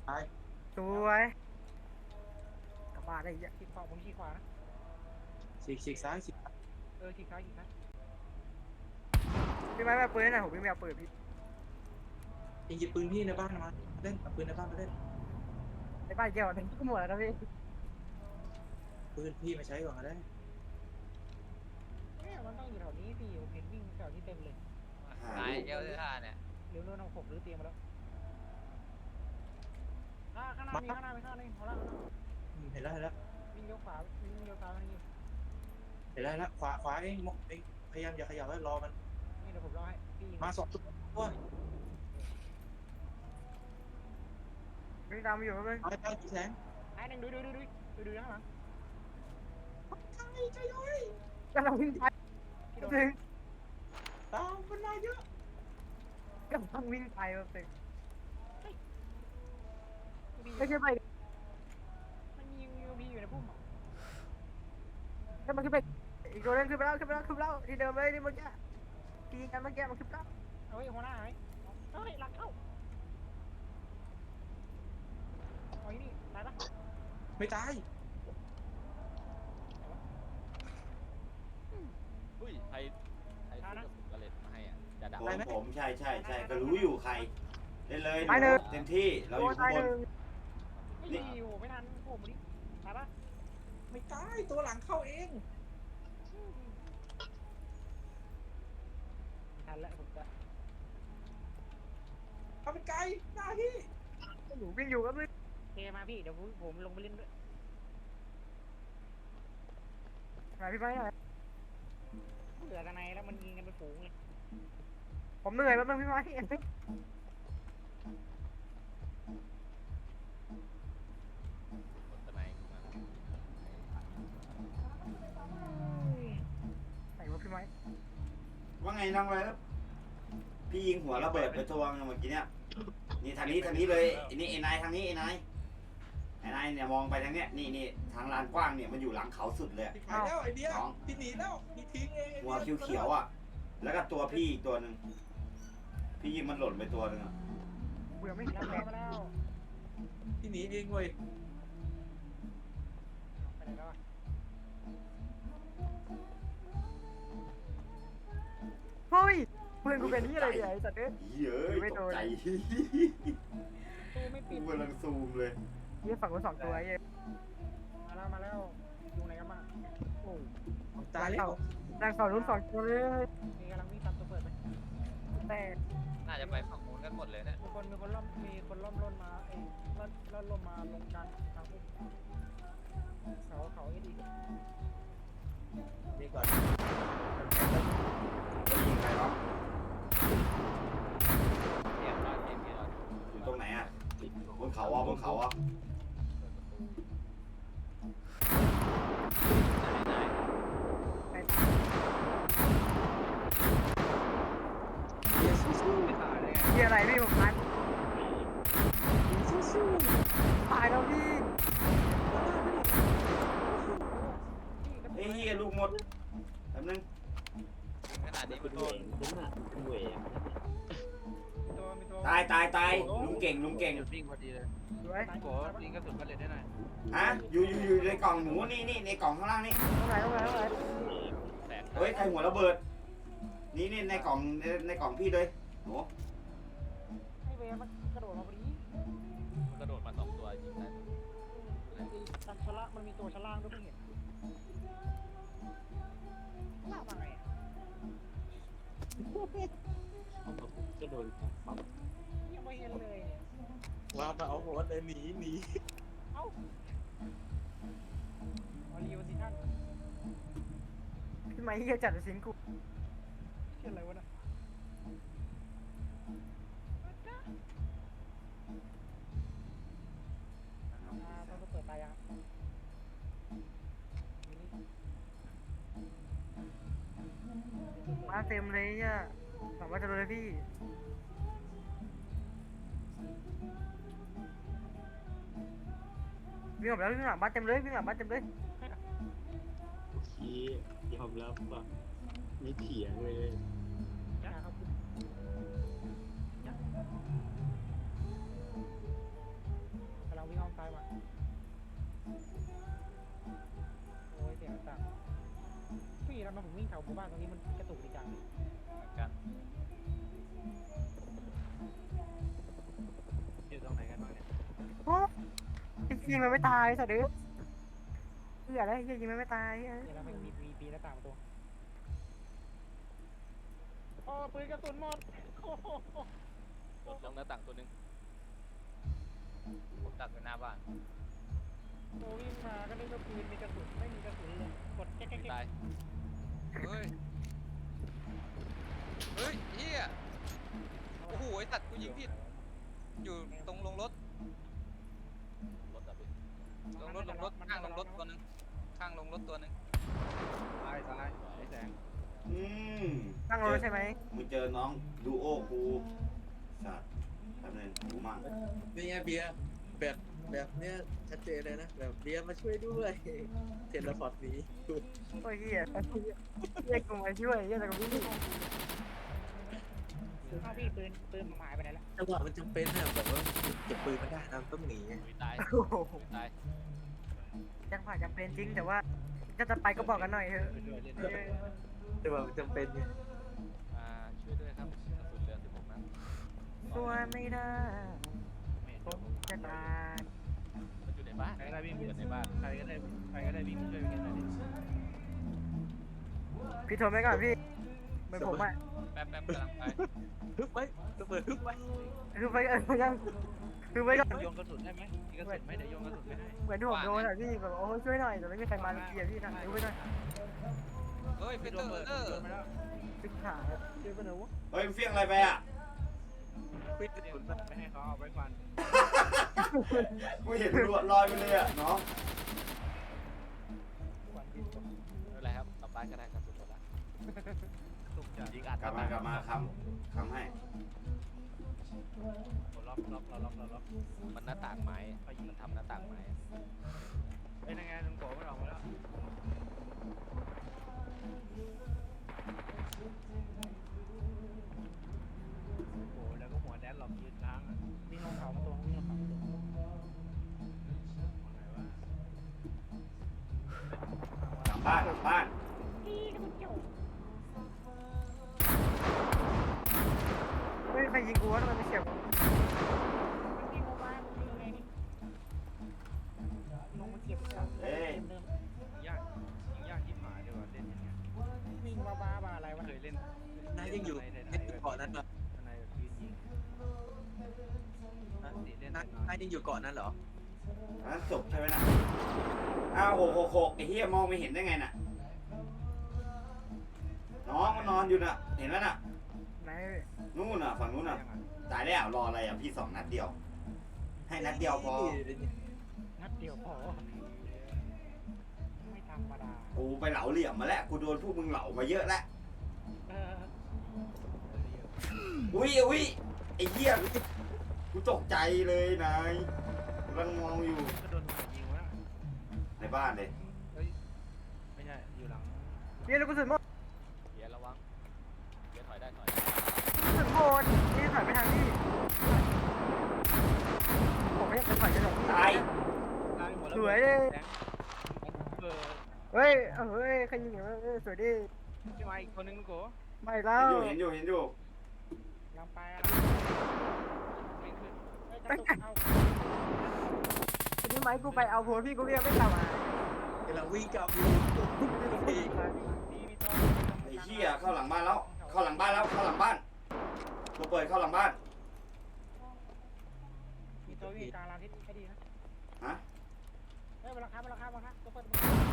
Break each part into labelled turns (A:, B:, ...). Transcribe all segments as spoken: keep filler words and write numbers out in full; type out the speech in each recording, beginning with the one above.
A: ตาย
B: สวยกลับบ้านได้เยอะ
C: ขีดขวาผมขีดขวานะ
A: ฉีกฉีกซ้ายฉีก
C: เออขีดซ้ายขีดซ้าย
B: พี่ไม้แบบปืนหน่อยผมวิ่งไปเอาปืนพี่
A: ยิงหยิบปืนพี่ในบ้านมาเล่นเอาปืนในบ้านมาเล่น
B: ในบ้านเกี่ยวถึงก็หมดแล้วนะพี่
A: ปืนพี่มาใช้ก่อนก็ได้
C: เนี่ยมันต้องอยู่แถวนี้สิผมเห็นวิ่งแถวนี้เต็มเลย
D: ตายเจ้าเสื้อผ้าเนี่ย
C: เร็วๆน้องผมรื้อเตียงมาแล้วอ่าข้างหน้ามีข้างหน้ามีข้างหน้านี่เอาละ
A: อืมเห็นแล้วเห็นแล้ว
C: วิ่งเลี้ยวขวาวิ่งเลี้ยวซ้ายมานี่
A: เห็นแล้วเห็นแล้วขวาขวาเองมองเองพยายามอย่าขยับไว้รอมัน
C: นี่เดี๋ยวผมรอให้พี่ยิง
A: มาสองตัวตัว
B: วิ่งตามมาอยู่ครับเลย
A: ไปไปแสง
C: ไอ้หนึ่งดูดูดูดูดูดูข้างหลัง
A: ใช่ใช่เลย
B: กำลังวิ่งไป
C: พี่โดน
B: ถึง
A: ตามมันมาเยอะ
B: กำลังวิ่งไปแบบถึง
C: พี่
B: ไม่ใช่ไป
C: มันยิงยิงพี่อยู่ในพุ่มอ่ะ
B: ถ้ามันขึ้นไปอีกตัวนึงขึ้นไปแล้วขึ้นไปแล้วขึ้นไปแล้วที่เดิมเลยที่เมื่อกี้ที่ยิงกันเมื่อกี้มันขึ้นไปแล้ว
C: เฮ้ยหัวหน้าไหมเฮ้ยหลังเข้าเอาอีนี่ตายปะ
A: ไม่ตาย
D: อุ้ยใครใครซื้อกระสุนกระเล็ดมาให้อ่ะจะดับ
E: ผมผมใช่ใช่ใช่ก็รู้อยู่ใครเล่นเลย
B: ไปหนึ่ง
E: เต็มที่เราอยู่
B: ตา
E: ข้าย ง
B: ห
E: บน
B: นึ่ง
C: ไม่ดีโอ้ไม่ทันโอ้โหดิตายปะ
A: ไม่ตายตัวหลังเข้าเอง
C: ทันแล้วผมจะ
A: เอาไปไกลหน้าพี่
B: หนูวิ่งอยู่ครับเลย
C: เทมาพี่เดี๋ยวผมผมลงไปเล่นด้วย
B: ไหนพี่ไม้หน่อย
C: เหลือกันในแล้วมันยิงกันเป็นฝูงเลย
B: ผมเหนื่อยแป๊บนึงพี่ไม้
D: กดสไนด์ขึ้นมา
B: ไหนวะพี่ไม้
E: ว่าไงน้องเลยครับพี่ยิงหัวระเบิดไปตัวนึงเมื่อกี้เนี่ยนี่ทางนี้ทางนี้เลยไอ้นี่ไอ้นายทางนี้ไอ้นายไอ้นายเนี่ยมองไปทางเนี้ยนี่นี่ทางลานกว้างเนี่ยมันอยู่หลังเขาสุดเลย
A: พี่ขายแล้วไอเดียพี่หนีแล้วพี่ทิ้งเอง
E: หัวเขียวๆอ่ะแล้วก็ตัวพี่อีกตัวหนึ่งพี่ยิงมันหล่นไปตัวหนึ่งอ่ะ
B: เบื่อไม่
C: แล้
B: เห็
C: วน มาแล้ว
A: พี่หนีเองเว้ย
C: ไปไหนแล้วอ่ะ
B: เฮ้ยเพื่อนกูเป็นที่อะไรเนี่ยไอ้สัตว์เอ้ย
E: เย้ยตกใจ
C: ตู้ไม่ปิ
E: กู
C: ด
E: กำลังซูมเลย
B: นี่ฝั่งกูสองตัวไอ้เหี้ย
C: มาแล้วมาแล้วอยู่ไหนกันบ้างโอ้
A: ตายแล้ว
B: นางสองรุ่นสองตัวเลย
C: มีกำลังวิ่งตามตัวเปิดไป
B: แต่
D: น่าจะไปฝั่งนู้นกันหมดเลยเนี่ย
C: มีคนมีคนล่อมมีคนล่อมร่นมาไอ้ล่อนล่อนลมมาลงกลางทางพุ่มเขาเขาไอ้ดี
A: นี่ก่อน
E: ยิงใครวะ
D: เรียบร้อยเรียบร้อย
E: อยู่ตรงไหนอ่ะบนเขาอ่ะบนเขาอ่ะ
D: เปิดประตู
B: ไป
D: ไหนไหน
A: เฮียสู้
D: ไม่ตายได้ไง
B: เหี้ยอะไรพี่ผมตาย
A: ๆสู้สู้
B: ตายแล้วพี่
E: เฮ้ยเฮียลูกหมดแป๊บนึง
D: ขนาดนี้มันโดน
C: มีตัวมีตัว
E: ตายตายตายลุงเก่งลุงเก่ง
F: หยุดวิ่งพอดีเลย
B: สวย
F: โกยิงกระสุนกระเด็นได้หน่อย
E: ฮะอยู่อยู่อยู่ในกล่องหมูนี่นี่ในกล่องข้างล่างนี่
B: ตรงไหนตรงไหนตรงไหน
D: แสง
E: เฮ้ยใครหัวระเบิด นี่นี่ในกล่องในในกล่องพี่เลยโห
C: ให้เวมันกระโดดมาพอดี
D: มันกระโดดมาสองตัวยิงได้
C: ไอ้ตันชะละมันมีตัวชะล่างด้วยไม่เห็นล่ามาไง
F: จะโดน
C: ยังไม่เห็นเลยเนี่ย
A: ว่ามาเอาหัวเลยหนีหนี
C: เอ้าออรีวันที่ท่าน
B: พี่ไม้เหี้ยจัดสิงกู
C: เชื่ออะไรวะน่ะอ่าต้องเปิดตายังมินิ
B: มาเต็มเลยเนี่ยหวังว่าจะโดนเลยพี่วิ่งออกแล้ววิ่งหลังบ้านเต็มเลยวิ่งหลังบ้านเต็มเลย
F: ชี้ยอมรับว่ะไม่เถียงเลย
C: นะครับ
B: ม
C: กันมาผมวิ่งแถวหมู่บ้านตรงนี้มันกระตุกดีจัง
D: เหมือนกัน
F: อยู่ตรงไหนกันบ้างเนี่ย
B: โอ้ยิงมันไม่ตายสัตว์เด้อเหี้ยอะไรเหี้ยยิงมันไม่ตายเหี้ย
C: เดี๋ยวเราไปมีปีปีแล้วต่างตัวโอ้ปืนกระสุนหมดโอ้โห
D: รถลงหน้าต่างตัวหนึงผมตัดไว้หน้าบ้าน
C: โอ้วิ่งมาก็นึกว่าปืนมีกระสุนไม่มีกระสุนเลยกดแก๊กแก๊ก
D: ตายเฮ้ยเฮ้ยเฮียโอ้โหไอ้ตัดกูยิงผิดอยู่ตรงลงรถรถอะพี่ลงรถลงรถข้างลงรถตัวหนึงข้างลงรถตัวหนึง
F: ตายตายไอ้แสง
E: อืม
B: นั่งรถใช่ไหม
E: มึงเจอน้องดูโอกูสัตว์แป๊บนึงหูมั่ง
A: นี่ไงเบียร์แบบแบบเนี้ยชัดเจนเลยนะแบบเบียร์มาช่วยด้วยเทเลพอร์ตหนี้
B: โอ้ยเหี้ยเหี้ยกูมาช่วยเหี้ยแต่กูวิ่ง
C: อ้าวพี่ปืนปืนผมหายไปไหนแล้ว
A: จังหวะมันจำเป็นนะแบบว่าเก็บปืนมาได้นะต้องหนีไง
D: อุ้ยตาย
B: โอ้โห
D: อุ้ยตาย
B: ยังผ่านจำเป็นจริงแต่ว่าจะจะไปก็บอกกันหน่อยเถอะ
F: ไปด้วยเล่น
B: เอ
F: ด้วย
B: อ
A: จังหวะมันจำเป็นไง
D: อ่าช่วยด้วยครับกระสุนเหลือสิบหกนัด
B: ตัวไม่ได้
F: ไม่เห็น
B: ผมจะตาย
D: มันอยู่ในบ้าน
F: ใครก็ได้วิ่ง
D: อยู่ในบ้าน
F: ใครก็ได้ใครก็ได้วิ่งมาช่วยกันหน่อยดิ
B: พี่โทรไปก่อนพี่เหมือนผมอ่ะ
D: แป๊บแป๊บกำลังไป
A: ฮึบไว้ระเบิดฮึบไว้
B: คือไปเออยังคือไปก่อน
F: โยนกระสุนได้ไหมมีกระสุนไหมเดี๋ยวโยนกระสุนไปให้
B: เหมือนที่ผมโดนอ่ะพี่แบบโอ้ช่วยหน่อยแต่ไม่มีใครมาเลยเกียร์พี่นะดูไปหน่อย
D: เฮ้ยปีเตอร์เออ
F: โยนไปแล้ว
B: ปิดขาเจอไปไหนวะ
E: เฮ้ยมึงเฟี้ยงอะไรไปอ่ะ
A: ปิด
F: เดี๋ยว
A: กระสุน
F: ไปให้เขาเอาไว้ฟัน
E: กูเห็นรวดลอยไปเลยอ่ะน้อง
C: ขวัญบินตก
D: ไม่เป็นไรครับกลับบ้านก็ได้กระสุนหมดละ
F: ตุกจัด
D: ยิงอัด
E: กลับมากลับมาคำคำให้
F: ล็อกล็อกเราล็อกเราล็อก
D: มันหน้าต่างไม้มันทำหน้าต่างไม้
F: ไอ้ยังไงลุงโกมันออกมาแล้วโอ้แล้วก็หัวแดนหลอกยืนล้างอ่ะ
C: วิ่งลงเขามาตัววิ่งลงเขามาตัว
E: กลับบ้านกลับบ้าน
B: เฮ้ยใครยิงกูวะทำไมไม่เฉียบ
C: วิ่งลงมาวิ่งไงนี่ลงมาเก็บของ
E: เอ้ย
C: เดิม
F: ยากยิงยากที่หมายดีกว่าเล่นอย่างเงี้ย
C: ๆวิ่งมาบ้าบ้าอะไรวะ
F: เคยเล่น
A: นายยังอยู่
F: ใน
A: ใน
F: ไหนๆแบบ
A: เกาะนั้นเหรอ
F: ในแบบยืนยิงตีเล่น
A: นาย
F: น้อย
A: นายยังอยู่เกาะนั้นเหรอ
E: อันนั้นศพใช่ไหมน่ะอ้าวโหกหกหกไอ้เหี้ยมองไม่เห็นได้ไงน่ะ น้องมันนอนอยู่น่ะ เห็นไหมน่ะ
B: ไหน
E: นู่นน่ะฝั่งนู้นน่ะ ตายแล้วรออะไรอ่ะพี่สองนัดเดียว ให้นัดเดียวพอ
C: นัดเดียวพอไม่ธรรมดา
E: กูไปเหลาเหลี่ยมมาแล้ว กูโดนพวกมึงเหลามาเยอะแล้ว
C: เออ
E: อุ้ยอุ้ยไอ้เหี้ยกูตกใจเลยนายกำลังมองอยู่
F: ก็โดนหัวยิงวะ
E: ในบ้านเลย
F: ไม่ใช่อยู่หลัง
B: เฮียลูกกระสุนหมด
D: เดี๋ยวระวังเดี๋ยวถอยได้ถอย
B: กระสุนหมดนี่ถอยไปทางนี้ผมไม่อยากจะถอยจะหลบ
E: ตาย
F: ตายหมดแล้ว
B: สวยเลย
F: เออ
B: เฮ้ยเฮ้ยใครยิงอย่างนี้สวยดิ
F: พี่มาอีกคนนึงลูกโก
B: ไม่แล้
E: เห็น
B: ว
E: อยู่เห็นอยู่เห็นอยู่
C: ลำไปอะไร
F: ไม่ขึ้น
C: เฮ้ยกระตุกเอา
B: ทีนี้ไหมกูไปเอาโพสพี่กูเรียกไม่กลับมาก
A: ำลังวิ่งกลับอยู่ดี
C: ดีมีตัว
E: ไอ้เหี้ยเข้าหลังบ้านแล้ว เข้าหลังบ้านแล้ว เข้าหลังบ้านตัวเปิดเข้าหลังบ้าน
C: มีตัววิ่งกลางลานทิศให้ดีนะ
E: ฮะ
C: เฮ้ยบนหลังคาบนหลังคาบนหลังคาตัวเปิด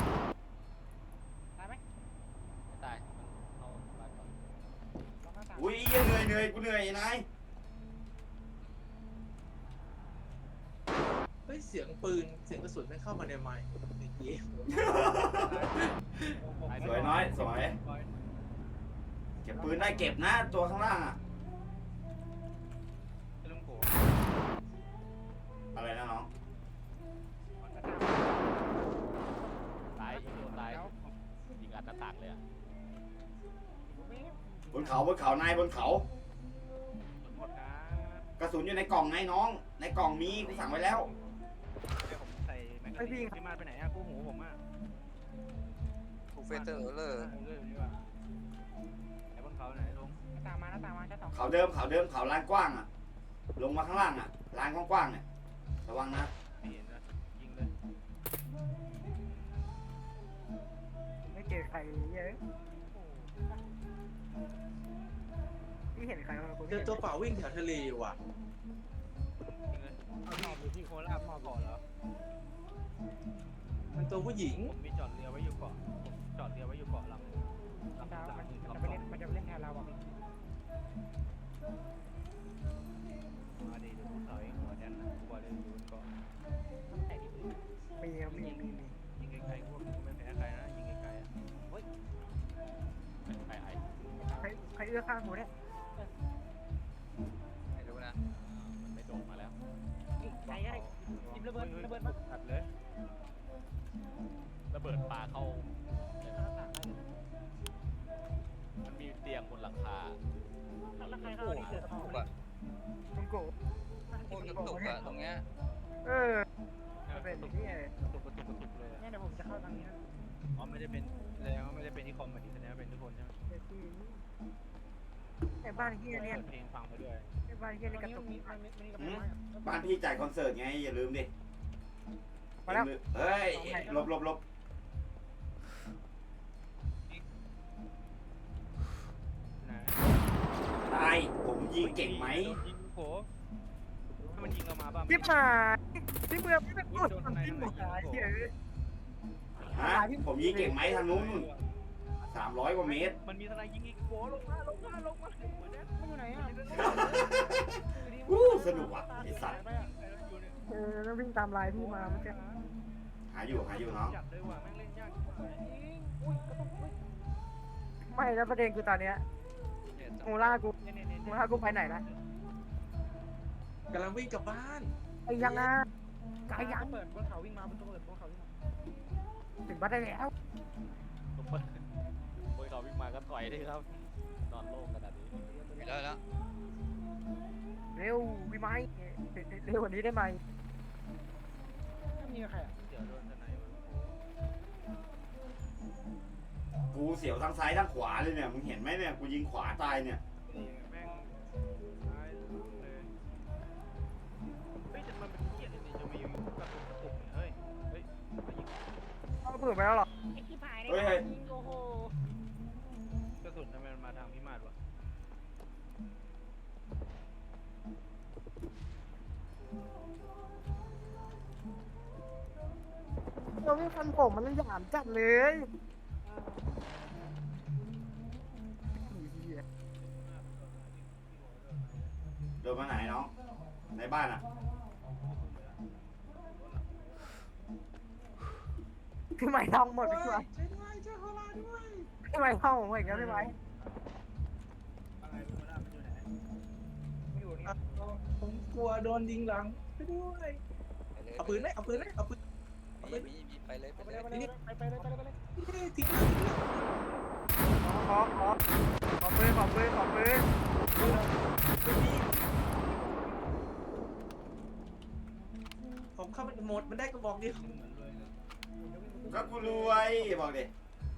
C: ตายไหม
D: ไม่ตายมันเอาบ้านก่อน
C: ล็อกหน้าต่าง
E: อุ้ยเหี้ยเหนื่อยเหนื่อยกูเหนื่อยไอ้นาย
A: เฮ้ยเสียงปืนเสียงกระสุนไม่เข้ามาในไมค์เมื่อกี้
E: สวยน้อยสวยเก็บปืนได้เก็บนะตัวข้างล่างอะ
F: ลุงโก
E: อะไรนะน้อง
D: ตายยิงโดนตายยิงอัดหน้าต่างเลยอ่ะ
E: บนเขาบนเขานายบนเขา
F: หมดนะ
E: กระสุนอยู่ในกล่องไงน้อง ในกล่องมีกูสั่งไว้แล้ว
F: เดี๋ยวผมใส่แม็กกาซีนพี่มาไปไหนอะกู้หูผมอะ
E: ส
D: เฟเตอร์เลอร์
F: เออเลยนี่ว่าไอ้บนเขาไหนลง
C: หน้าตามมาหน้าตามมาชั้นสอง
E: เขาเดิมเขาเดิมเขาลานกว้างอ่ะ ลงมาข้างล่างอ่ะลานกว้างๆเนี่ยระวังนะ
F: ไม่เห็นนะยิงเลย
B: ไม่เจอใครเยอะพี่เห็นใครบ้าง
A: เจอตัวเปล่าวิ่งแถวทะเลว่ะ
F: ยิงเลยเอาหมอบอยู่ที่โคราชหมอบเกาะเหรอ
A: มันตัวผู้หญิง
F: ผมมีจอดเรือไว้อยู่เกาะผมจอดเรือไว้อยู่เกาะลำหนึ่ง
C: มัน
F: ลำ
C: จะ
F: ลำ
C: มัน
F: หนึ่ง
C: จะ
F: ลำ
C: ไป
F: สอ
C: เล่
F: ง
C: นมันจะไปเล่นแทนเราอ่ะพี่
F: มาดิเดี๋ยวกูถอยหัวแดนนะกูบอกเลยอยู่บนเกาะ
C: แต่ที่อื่น
B: มีครับมีมีมี
F: ยิงไกลๆพวกกูไม่แพ้ใครนะยิงไกลๆอ่ะเฮ้ยเป็นใครไอ้
B: ใครใครเอื้อข้างหูเนี่ย
D: ไม่รู้นะ
F: มันไม่โดดมาแล้ว
C: ใครได้ยิมระเบิดระเบิดมา
F: ตัดเลย
G: ระเบิดปลาเข้า
C: หน้าต่างได้เลย
G: มันมีเตียงบนหลังคา
C: แล้วใครเข้าที่เกิด
D: ตุก
C: อะ
D: อะ
B: มึงโก
D: โคตรกระตุกอะตรงเนี้ย
B: เออเป็นอย่างนี้เลย
F: กระตุกกระตุกกระตุกเลย
C: เนี่ยเดี๋ยวผมจะเข้าทางนี้นะ
F: อ๋อไม่ได้เป็นแสดงว่าไม่ได้เป็นที่คอมมาดิแสดงว่าเป็นทุกคนใช่ไหม
B: ไอ้บ้านเฮียเนี่ย
F: เปิดเพลงฟังไปด้วย
B: ไอ้บ้านเฮีย
C: ตร
B: นี่
C: ง
B: กระ
C: นี้
B: ตุก
C: มันมีมันมีมันมีกระเป๋า
E: บ้านพี่จ่ายคอนเสิร์ตไงอย่าลืมดิ
B: มาแล้ว
E: เฮ้ยหลบหลบหลบ
F: นะ
E: ตายผมยิงเก่งไหม
F: โดนยิงโผถ้ามันยิงเรามาบ้าง
B: ที่ผ่านที่เมืองไม่เป็นพูดที่หมดหายเฮีย
E: ฮะผมยิงเก่งไหมทางนู้นสามร้อยกว่าเมตร
F: มันมีทนายยิงอีกโผลงมาลงมาลงมาหัวแดน
C: มันอยู่ไหนอ่ะ
E: อู้สนุกว่ะไอสัตว์
B: เออแล้ววิ่งตามลายพี่มาเมื่อกี้
E: หาอยู่หาอยู่น้อง
F: จัดเลยว่ะแม่งเล่นยากกว่า
C: อุ้ยกระตุกอุ้ย
B: ไม่แล้วประเด็นคือตอนเนี้ย
D: เนี่ย
B: โมล่ากู
C: เนี่ยเนี่ยเนี่ย
B: โมล่ากูไปไหนละ
A: กำลังวิ่งกลับบ้าน
B: ไอ้ยังอ่ะไกลยัง
C: เปิดบนเขาวิ่งมาบนตัวเปิดบนเขาวิ่งมา
B: ถึงบ้านได้แล้ว
G: ผมเปิดโอ้ยเขาวิ่งมาก็ต่อยเลยครับ นอนโล่งขนาดนี้
D: ไปแล้วแล้ว
B: เร็วพี่ไม้เร็วกว่านี้ได้ไหม
C: ไม่มีใครอ่ะ
F: เดี๋ยวโดนทนาย
E: กูเสียวทั้งซ้ายทั้งขวาเลยเนี่ยมึงเห็นไหมเนี่ยกูยิงขวาตายเนี่ย
F: แม่งตายเลยเฮ้ยแต่มันเป็นเกียรติจริงๆจะมีกระตุกกระตุกเฮ้ยเฮ้ยมายิง
B: เขาเปิดไปแล้วหรอ
C: ไอ้ขี้ผายได้
E: เฮ้ยเฮ้ย
C: ยิงโอ้โห
F: กระสุนทำไมมันมาทางพิมาศวะ
B: เราไม่ฟันผมมันหยามจัดเลยเหี้ย
E: โดนมาไหนน้องในบ้านอ่ะ
B: พี่ไม้ท่องหมดพี่ไม้
A: ช่วยด้วยช่วยโคราชด้วย
B: พี่ไม้ท่องผมอีกแล้วพี่ไม้
F: อะไรพิมาศมันอยู่ไหน
C: ไม่อยู่นี่
A: อ่ะผมกลัวโดนยิงหลังช่วยด้วย
D: ไปเลย
A: เอาปืนไหมเอาปืนไหมเอาปืน
D: มีมีมีไปเลยไป
C: ไป
D: เล
C: เลย
D: ย
C: ไปเลยไปเลยไปเลยไปเลย
A: ทิ้งเลยทิ้งเลย
B: ขอขอขอปืนขอปืนขอปืน
A: ไม่มีผมเข้าไปหมดมันได้กระบอกเดียว
E: ก็กูรวยบอกดิ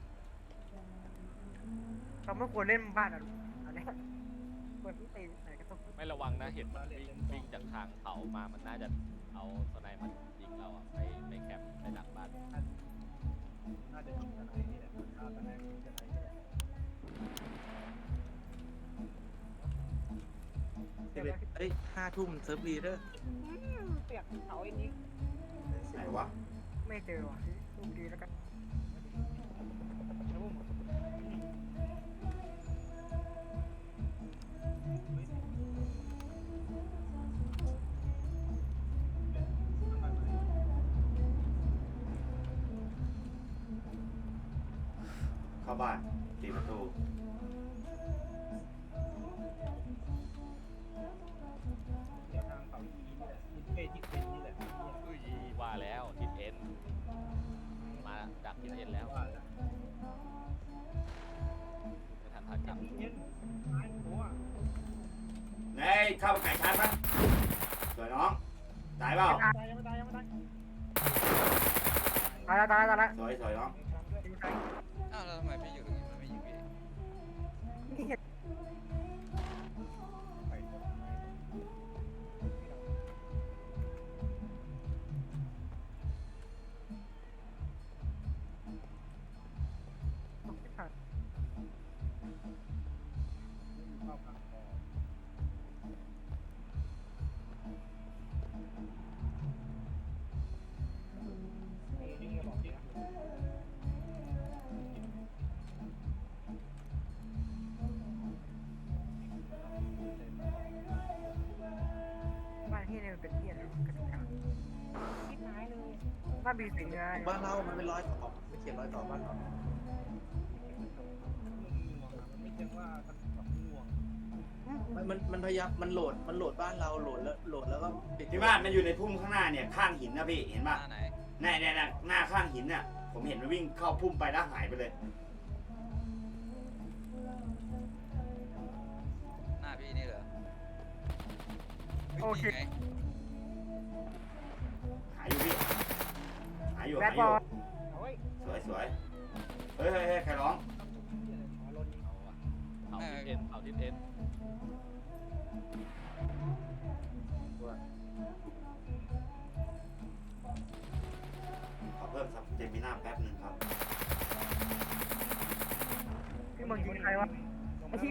B: เราไม่ควรเล่นบ้านอ่ะอันนี้เปิดที่ตีไหนก็ต้อง
G: ไม่ระวังนะ เห็นมันวิ่งวิ่งจากทางเขามา มันน่าจะเอาสไนมันยิงเราอะไปไปแคมป์ไปหลังบ้าน
F: น่าจะยิงทนายนี่แหละฆ่าทนายยิงทนายนี่แหละ
A: เอ้ยห้าทุ่มเซิร์ฟรีเด้อ
C: เปียกเขาไอ้นี้
E: ไหนวะ
B: ไม่เจอว่ะลูกดีแล้วกัน
C: แล้วผม
E: เข้าบ้านตีประตู
F: เดี๋ยวทางเขาอีนี่แหละทิศเอทิศเป็นนี่แหละ
G: อุ้ยว่าแล้วทิศเอ็นมาจากทิศเอ็นแล้ว
F: ว่าแล้ว
G: ไม่ทันทันกลับ
F: ทิศเอ็นตายหัว
E: เฮ้ยเข้าไก่ชาร์จมั้ยสวยน้องตายเปล่า
C: ตายยังไม่ตายยังไม่ตาย
B: ตายแล้วตายแล้วตายแล้ว
E: สวยสวยน้อง
B: ยิงใคร
D: เอ้าอ้าวแล้วทำไมพี่อยู่ตรงนี้มันไม่ยิงพี่
B: บ้านที่เนี่ยมันเป็นที่อะไรกระดูกกัน
C: คิดหายเลย
B: บ้านบีสิงห์ไง
A: บ้านเรามันเป็นร้อยต่อไม่เขียนร้อยต่อบ้านเรา
F: ไม่ใช่ว่ามันแบบง่วง
A: มันมันมันพยายามมันโหลดมันโหลดบ้านเราโหลดแล้วโหลดแล้วก็ปิด
E: ที่บ้านมันอยู่ในพุ่มข้างหน้าเนี่ยข้างหินนะพี่เห็น
D: ห
E: ป่ะ
D: น้าไหน
E: แน่แน่หน้าข้างหินน่ะผมเห็นมันวิ่งเข้าพุ่มไปแล้วหายไปเลย
D: หน้าพี่นี่เหรอ
B: โอเค
D: นี่ไง
E: หายอยู่พี่หายอยู่
B: แบ
E: หา
B: ด
E: ยอบ
B: อยู่ ล
C: เฮ้ย
E: สวยสวยเฮ้ยเฮ้ยเฮ้ยใครร้อง
C: หมอลนยิง
G: เอาอะเผาทิศเอ็นเผาทิศเอ็น
E: ขอเพิ่มซับเจมิน่าแป๊บหนึ่งครับ
B: พี่มึงยิงใครวะ ไอ้ที่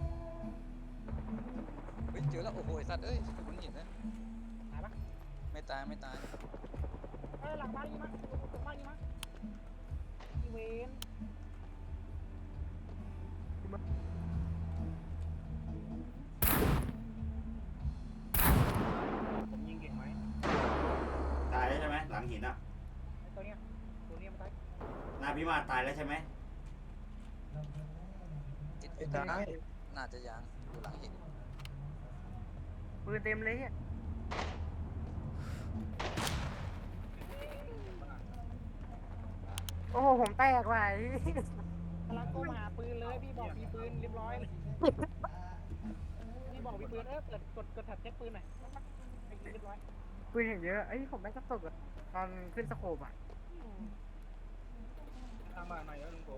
D: เฮ้ยเจอแล้วโอ้โหไอ้สัตว์เอ้ยคุณหินนะ
C: หายปะ
D: ไม่ตายไม่ตาย
C: เอ้ยหลังบ้านยิงมั้ยหลังบ้านยิงมั้ยอีเวน
F: ผมยิงเก่งไหม
E: ตายแล้วใช่ไหมหลังหินอ่ะ
C: ไอ้ตัวเนี้ยตัวเนี้ยมันตาย
E: หน้าพี่มาตายแล้วใช่ไหม
D: ติด
A: ไอ้ตาย
D: น่าจะยังอยู่หลังหิน
B: ปืนเต็มเลยเนี่ยโอ้โหผมแตกว่ะ
C: กำลังโทรมาหาปืนเลยพี่บอกมีปืนเรียบร้อยพี่บอกมีปืนเออเปิดกดกดแท็บเช็คปืนหน่อยไอ้ยิงเรียบร้อย
B: ปืนอย่างเยอะไอ้ยผมแม่งกระตุกอะตอนขึ้นสโคปอ่ะ
F: ทางบ้านไหนแล้วลุงโก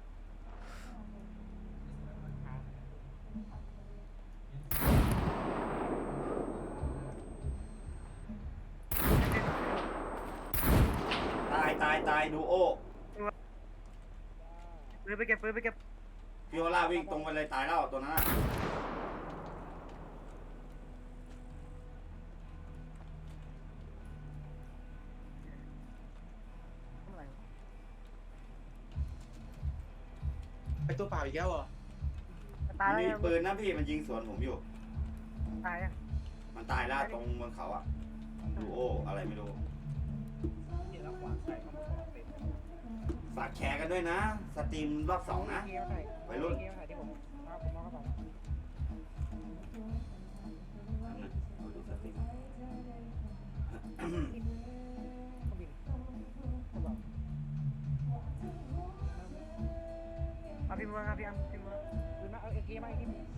E: ตายตายตายดูโอ
B: ปืนไปเก็บปืนไปเก็บ
E: พิโอล่าวิ่งตรงไปเลยตายแล้วตัวนั้นอะ
B: ทำอะไรวะ
A: ไปตัวเปล่าอีกแล้วเหรอ
B: มันตาย
E: มัน
B: แล้ว
E: มี
B: ยัง
E: ปืนนะพี่มันยิงสวนผมอยู่
B: ตายยัง
E: มันตายแล้วตรงบนเขาอะดูโออะไรไม่รู้
F: นี่แล้วขวานใส่มาบอกเต็ม
E: ฝากแชร์กันด้วยนะ สตรีมรอบสองนะ
C: เกมใส่
E: วัยรุ่น
C: เกมใส่ที่ผมเอาผมเอากระเป๋า
E: นั่นน่ะเอาดูสตรีม
C: เครื่องบินกระเป๋า
B: เอาพี่เมืองครับพี่อัมพี่เมือง
C: ปืนมาเอาเอเกมมาอีกที